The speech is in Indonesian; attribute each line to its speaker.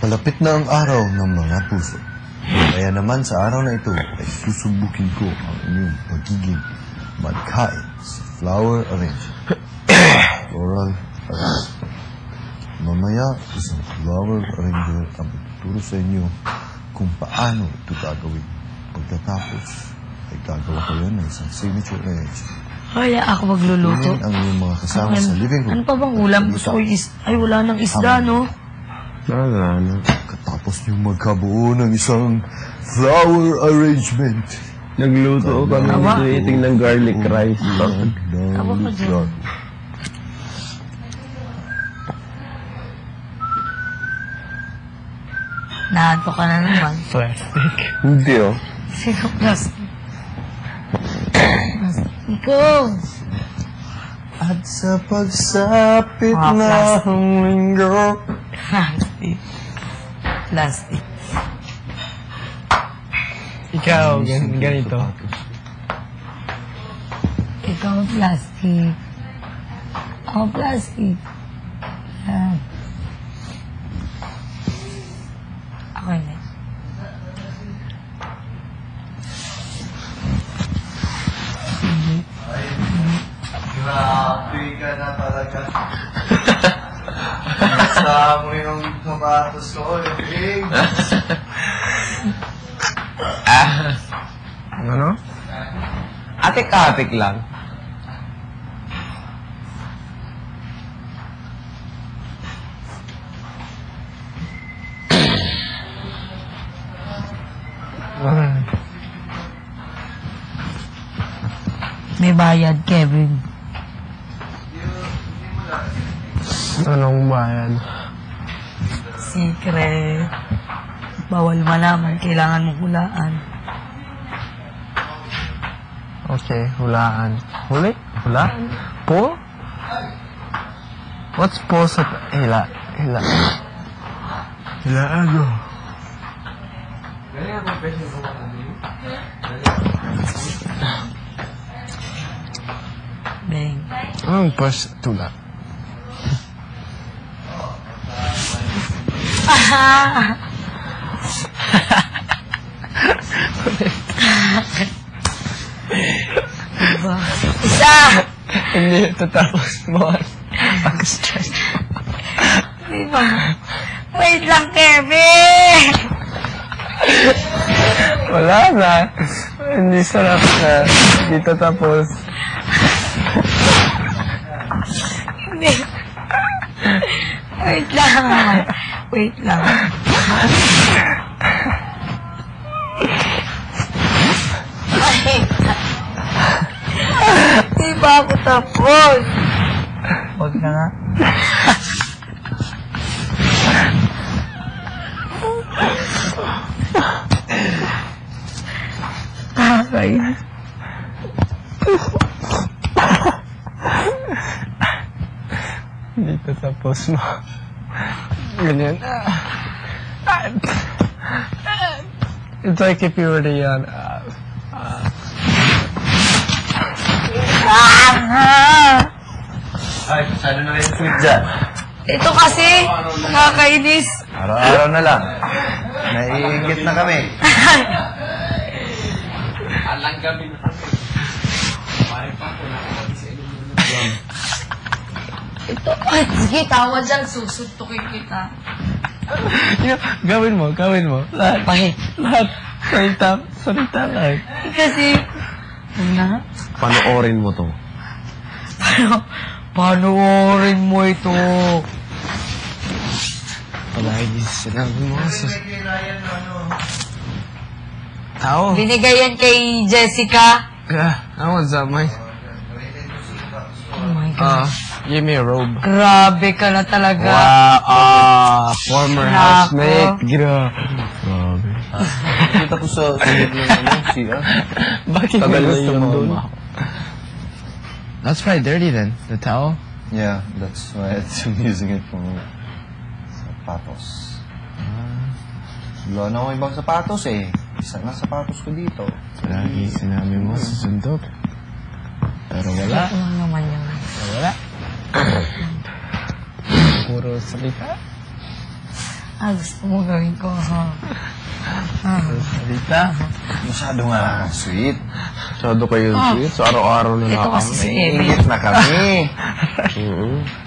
Speaker 1: Malapit na ang araw ng mga puso. Kaya naman sa araw na ito ay susubukin ko ang inyong pagiging magkain sa flower arrangement. Floral arrangement. Mamaya, isang flower arranger ang tuturo sa inyo kung paano ito gagawin. Pagkatapos, ay gagawa kayo ng isang signature arrangement.
Speaker 2: Kaya ako magluluto.
Speaker 1: Tingin ang iyong mga kasama sa living room.
Speaker 2: Ano pa bang ulam? Gusto ko ay wala ng isda, no?
Speaker 3: Wala na.
Speaker 1: Katapos niyong magkabuo ng isang flower arrangement.
Speaker 3: Nagluto kami creating ng garlic rice.
Speaker 2: Tama ka dyan. Nahanto ka na naman.
Speaker 3: Plastic. Hindi oh.
Speaker 2: Sino plastic? Ikaw!
Speaker 1: At sa pagsapit
Speaker 2: Mga
Speaker 1: na
Speaker 2: plastic.
Speaker 1: ang linggo.
Speaker 2: Plastic. Plastic.
Speaker 3: Ikaw, ganito.
Speaker 2: Ikaw plastic. Ako plastic. Yan. Ako hindi.
Speaker 1: Grabe ka na talaga. Sa mo yung sapatos ko, yung
Speaker 3: Ano? Atik-atik lang.
Speaker 2: May bayad, Kevin.
Speaker 3: Anong bayan?
Speaker 2: Secret. Bawal malaman. Kailangan mong hulaan.
Speaker 3: Okay, hulaan. Huli? Hulaan? Po? What's po sa... Hila. Hilaan mo.
Speaker 2: Beng.
Speaker 3: Anong pos tula?
Speaker 2: Diba? Isa!
Speaker 3: Hindi, tatapos mo. Pag-stress.
Speaker 2: Diba? Wait lang, Kevin!
Speaker 3: Wala na. Hindi sarap na. Hindi tatapos.
Speaker 2: Hindi. Wait lang. Wait lang. Di ba ako tapos? Huwag na nga. Kaya.
Speaker 3: Hindi tatapos mo. Ganyan. It's like if you were the
Speaker 1: Ay, masyado na yung sweet dyan.
Speaker 2: Ito kasi, nakakainis.
Speaker 1: Araw-araw na lang. Naiingit na kami.
Speaker 2: Ito, ay, sige, tawa dyan, susuntukin kita.
Speaker 3: Gawin mo. Lahat.
Speaker 2: Pahit.
Speaker 3: Lahat. Salita lang.
Speaker 2: Kasi, na,
Speaker 3: Panoorin mo to.
Speaker 2: panoorin mo ito.
Speaker 3: Palagi sinabi mo sa... Tao.
Speaker 2: Binigay yan kay Jessica.
Speaker 3: What's up, Mike?
Speaker 2: Oh my God.
Speaker 3: Give me a robe.
Speaker 2: Grabe ka na talaga.
Speaker 3: Wow, former
Speaker 2: Nako.
Speaker 3: housemate. Grabe.
Speaker 1: Kita ko sa singit ng siya.
Speaker 3: Bakit
Speaker 1: Tagal
Speaker 3: mo
Speaker 1: na
Speaker 3: gusto
Speaker 1: yung
Speaker 3: doon?
Speaker 4: That's probably dirty then, the towel.
Speaker 1: Yeah, that's why I'm using it for sapatos. Wala na akong ibang sapatos eh. Isa na sapatos ko dito.
Speaker 4: Lagi sinabi mo susundot. Pero wala.
Speaker 2: Ito lang naman yun.
Speaker 4: Pero wala. Puro salita.
Speaker 2: gusto mo gawin ko, ha?
Speaker 3: Salita.
Speaker 1: Masyado nga lang ang sweet.
Speaker 4: Masyado kayo sweet. So, araw-araw na
Speaker 2: Ito
Speaker 4: lang
Speaker 2: kasi si
Speaker 4: kami.
Speaker 2: Kevin.
Speaker 1: Ingit na kami.
Speaker 4: Mm-mm.